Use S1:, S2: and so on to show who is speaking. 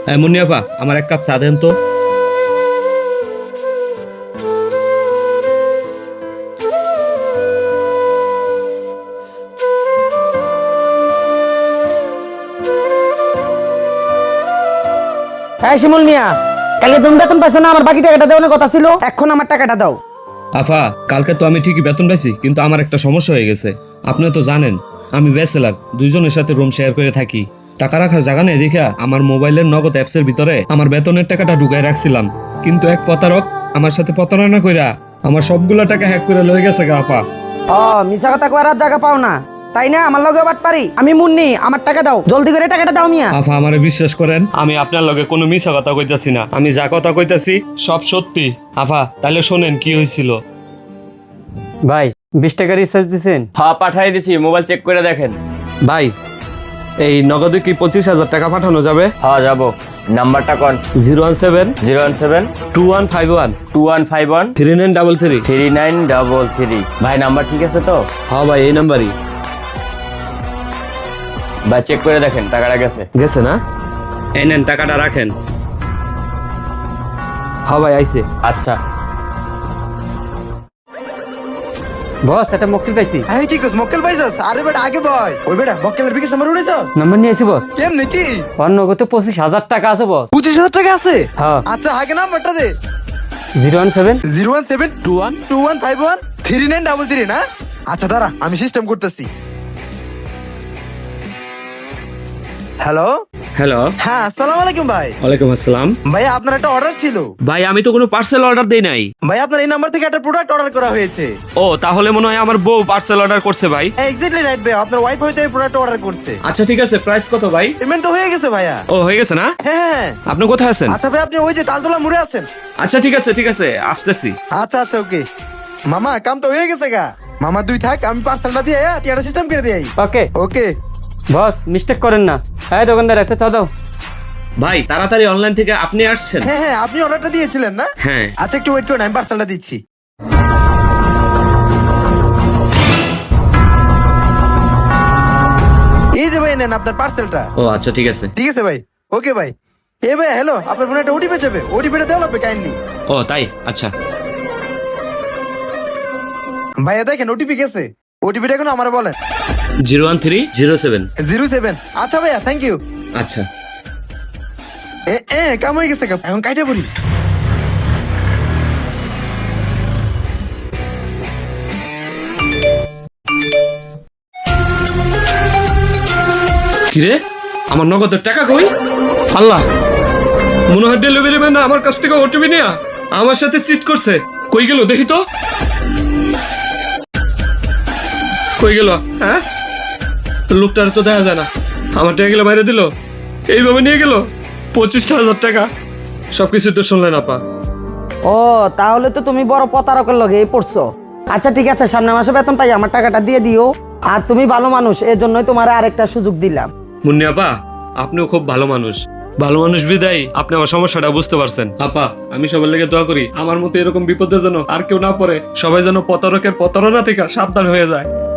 S1: মুন্নিয়াপা, আমার এক কাপ চা দেন তো।
S2: হ্যাঁ শিমুল মিয়া, কালকে তুমি বেতন পাইছো না? আমার বাকি টাকাটা দেওয়ার কথা ছিল, এখন আমার টাকাটা দাও।
S1: আফা, কালকে তো আমি ঠিকই বেতন পাইছি, কিন্তু আমার একটা সমস্যা হয়ে গেছে। আপনি তো জানেন আমি ব্যাচেলার, দুইজনের সাথে রুম শেয়ার করে থাকি। টাকা রাখার জায়গা নেই দেখা আমার মোবাইলের নগদ অ্যাপসের ভিতরে আমার বেতনের টাকাটা ঢুকাই রাখছিলাম, কিন্তু এক প্রতারক আমার সাথে প্রতারণা কইরা আমার সবগুলা টাকা হ্যাক করে লয়ে গেছে গা আপা।
S2: ও মিছা কথা করার জায়গা পাও না তাই না? আমার লগে বাট পারি, আমি মুন্নি, আমার টাকা দাও, জলদি করে টাকাটা দাও মিয়া।
S1: আফা, আমারে বিশ্বাস করেন, আমি আপনার লগে কোনো মিছা কথা কইতাছি না, আমি যা কথা কইতাছি সব সত্যি। আফা, তাহলে শোনেন কি হয়েছিল।
S3: ভাই 20 টাকা রিচার্জ দিছেন?
S4: হ্যাঁ পাঠাই দিছি, মোবাইল চেক করে দেখেন।
S1: ভাই, এই নগদে কি 25,000 টাকা পাঠানো যাবে?
S4: হ্যাঁ যাবো। নাম্বারটা কোন?
S1: 017
S4: 017
S1: 2151
S4: 2151
S1: 3933।
S4: 3933। ভাই নাম্বার ঠিক আছে তো?
S1: হ্যাঁ ভাই, এই নাম্বারই।
S4: ভাই চেক করে দেখেন টাকাটা গেছে।
S1: গেছে না? এই নেন, টাকাটা রাখেন। হ্যাঁ ভাই, আইছে।
S4: আচ্ছা।
S3: বস এটা মক্কেল পাইছি।
S5: হ্যাঁ কি কস মক্কেল পাইছস? আরে বেটা আগে বয়। ওই বেটা মক্কেলের বিকাশ নাম্বার উড়েছস?
S3: নাম্বার নিয়ে আসি বস।
S5: কেন নাকি?
S3: অন্য কত 25,000 টাকা আছে বস।
S5: 25,000 টাকা আছে?
S3: হ্যাঁ।
S5: আচ্ছা আগে নাম্বারটা দে।
S3: 017
S5: 017 2151 3933 না? আচ্ছা দাঁড়া, আমি সিস্টেম করতেছি। হ্যালো।
S1: হ্যালো।
S5: হ্যাঁ আসসালামু আলাইকুম ভাই।
S1: ওয়ালাইকুম আসসালাম।
S5: ভাই আপনার একটা অর্ডার ছিল।
S1: ভাই, আমি তো কোনো পার্সেল অর্ডার দেই নাই।
S5: ভাই আপনার এই নাম্বার থেকে একটা প্রোডাক্ট অর্ডার করা হয়েছে।
S1: ও, তাহলে মনে হয় আমার বউ পার্সেল অর্ডার করছে ভাই।
S5: এক্স্যাক্টলি রাইট ভাই, আপনার ওয়াইফ হয়তো এই প্রোডাক্ট অর্ডার করছে।
S1: আচ্ছা ঠিক আছে, প্রাইস কত ভাই?
S5: পেমেন্ট তো হয়ে গেছে ভাইয়া।
S1: ও, হয়ে গেছে না?
S5: হ্যাঁ।
S1: আপনি কোথায় আছেন?
S5: আচ্ছা ভাই আপনি ওই যে তালতলা মোড়ে আছেন।
S1: আচ্ছা ঠিক আছে, ঠিক আছে, আসতেছি।
S5: আচ্ছা আচ্ছা ওকে। মামা কাম তো হয়ে গেছে গা। মামা তুই থাক, আমি পার্সেলটা দিয়ে টিয়াটা সিস্টেম করে দিই।
S3: ওকে
S5: ওকে।
S3: বস মিস্টেক করেন না। হ্যাঁ দোকানদার একটা চা দাও।
S1: ভাই, তাড়াতাড়ি অনলাইন থেকে আপনি আসছেন?
S5: হ্যাঁ হ্যাঁ আপনি অর্ডারটা দিয়েছিলেন না?
S1: হ্যাঁ।
S5: আচ্ছা একটু ওয়েট করুন, আমি পার্সেলটা দিচ্ছি। এই যে ভাই নেন আপনার পার্সেলটা।
S1: ও আচ্ছা ঠিক আছে।
S5: ঠিক আছে ভাই। ওকে ভাই। এ ভাই হ্যালো, আপনার ফোনে একটা ওটিপি যাবে, ওটিপিটা দেওয়া লাগবে কাইন্ডলি।
S1: ও তাই? আচ্ছা।
S5: ভাইয়া দেখেন ওটিপি গেছে। ওটিপিটা এখন আমার বলেন।
S1: 01307।
S5: 07। আচ্ছা ভাইয়া থ্যাংক ইউ।
S1: আচ্ছা।
S5: কাম হয়ে গেছে, এখন কাইটা পড়ি।
S1: কিরে, আমার নগদের টাকা কই? আল্লাহ, মনে হয় ডেলিভারি ম্যান আমার কাছ থেকে ওটিপি নিয়ে আমার সাথে চিট করছে। কই গেল দেখি তো। কই গেল? হ্যাঁ, লোকটার তো দেখা যায় না। আমার টাকা গেলে বাইরে দিল, এইভাবে নিয়ে গেল 25,000 টাকা। সবকিছু তো শুনলেন আপা।
S2: ও তাহলে তো তুমি বড় প্রতারকের লগে পড়ছো। আচ্ছা ঠিক আছে, সামনের মাসে বেতন পাই আমার টাকাটা দিয়ে দিও। আর তুমি ভালো মানুষ, এর জন্যই তোমার আরেকটা সুযোগ দিলাম।
S1: মুন্নি আপা, আপনিও খুব ভালো মানুষ। ভালো মানুষ বিদায় আপনি আমার সমস্যাটা বুঝতে পারছেন। আপা, আমি সবার লেগে দোয়া করি আমার মতো এরকম বিপদে যেন আর কেউ না পড়ে, সবাই যেন প্রতারকের প্রতারণা থেকে সাবধান হয়ে যায়।